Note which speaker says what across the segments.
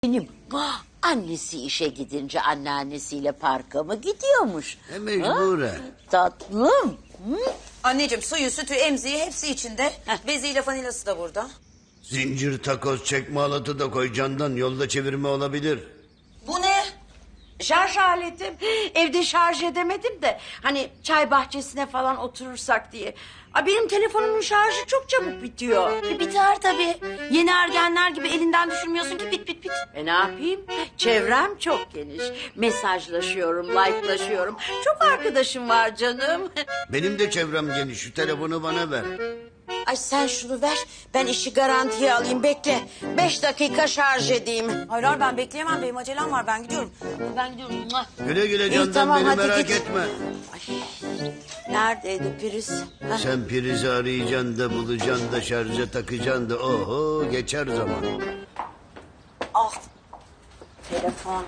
Speaker 1: Benim annesi işe gidince anneannesiyle parka mı gidiyormuş?
Speaker 2: Mecburen.
Speaker 1: Tatlım. Hı?
Speaker 3: Anneciğim suyu, sütü, emziği hepsi içinde. Beziyle vanilası da burada.
Speaker 2: Zincir, takoz, çekme halatı da koy candan. Yolda çevirme olabilir.
Speaker 3: Bu ne?
Speaker 1: Şarj aletim. Evde şarj edemedim de hani çay bahçesine falan oturursak diye. Benim telefonumun şarjı çok çabuk bitiyor.
Speaker 3: Biter tabii. Yeni ergenler gibi elinden düşürmüyorsun ki bit.
Speaker 1: Ne yapayım? Çevrem çok geniş. Mesajlaşıyorum, like'laşıyorum. Çok arkadaşım var canım.
Speaker 2: Benim de çevrem geniş. Şu telefonu bana ver.
Speaker 1: Ay sen şunu ver. Ben işi garantiye alayım. Bekle. 5 dakika şarj edeyim.
Speaker 3: Hayır ben bekleyemem. Benim acelem var. Ben gidiyorum.
Speaker 1: Ben gidiyorum. Mua.
Speaker 2: Güle güle
Speaker 1: İyi,
Speaker 2: candan,
Speaker 1: tamam,
Speaker 2: beni
Speaker 1: hadi
Speaker 2: merak
Speaker 1: git.
Speaker 2: etme.
Speaker 1: Neredeydi priz? Heh.
Speaker 2: Sen prizi arayacaksın da bulacaksın da şarja takacaksın da oho geçer zaman.
Speaker 1: Ah. Telefon.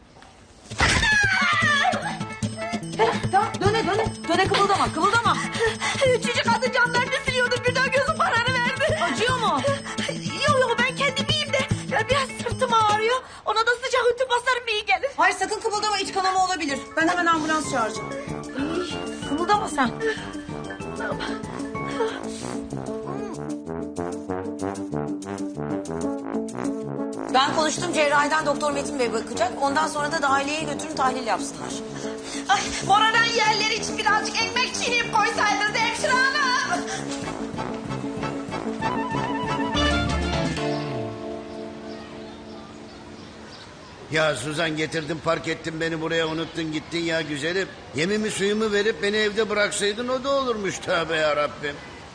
Speaker 3: Tamam döne kımıldama.
Speaker 4: Üçüncü kadın camdan üflüyordu, birden gözüm kararı verdi.
Speaker 3: Acıyor mu?
Speaker 4: Yok ben kendim iyiyim de ya biraz sırtım ağrıyor. Ona da sıcak ütü basarım iyi gelir.
Speaker 3: Hayır sakın kımıldama, iç kanama olabilir. Ben hemen ambulans çağıracağım. Kımıldama sen. Ben konuştum, cerrahiden Doktor Metin Bey bakacak. Ondan sonra da dahiliyeye götürün, tahlil yapsınlar.
Speaker 4: Ay, moraran yerleri için birazcık ekmek çiğneyip koysaydınız hemşire hanım.
Speaker 2: Ya Suzan, getirdin park ettin beni buraya, unuttun gittin ya güzelim. Yemimi suyumu verip beni evde bıraksaydın o da olurmuş, tövbe yarabbim.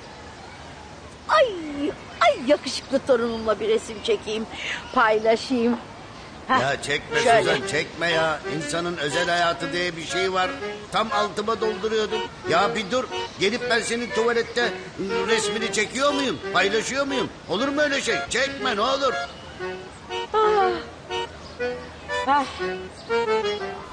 Speaker 1: Ay yakışıklı torunumla bir resim çekeyim. Paylaşayım. Heh,
Speaker 2: Ya çekme
Speaker 1: şöyle.
Speaker 2: Suzan, çekme ya. İnsanın özel hayatı diye bir şey var. Tam altıma dolduruyordum. Ya bir dur. Gelip ben senin tuvalette resmini çekiyor muyum? Paylaşıyor muyum? Olur mu öyle şey? Çekme ne olur.
Speaker 1: Ah.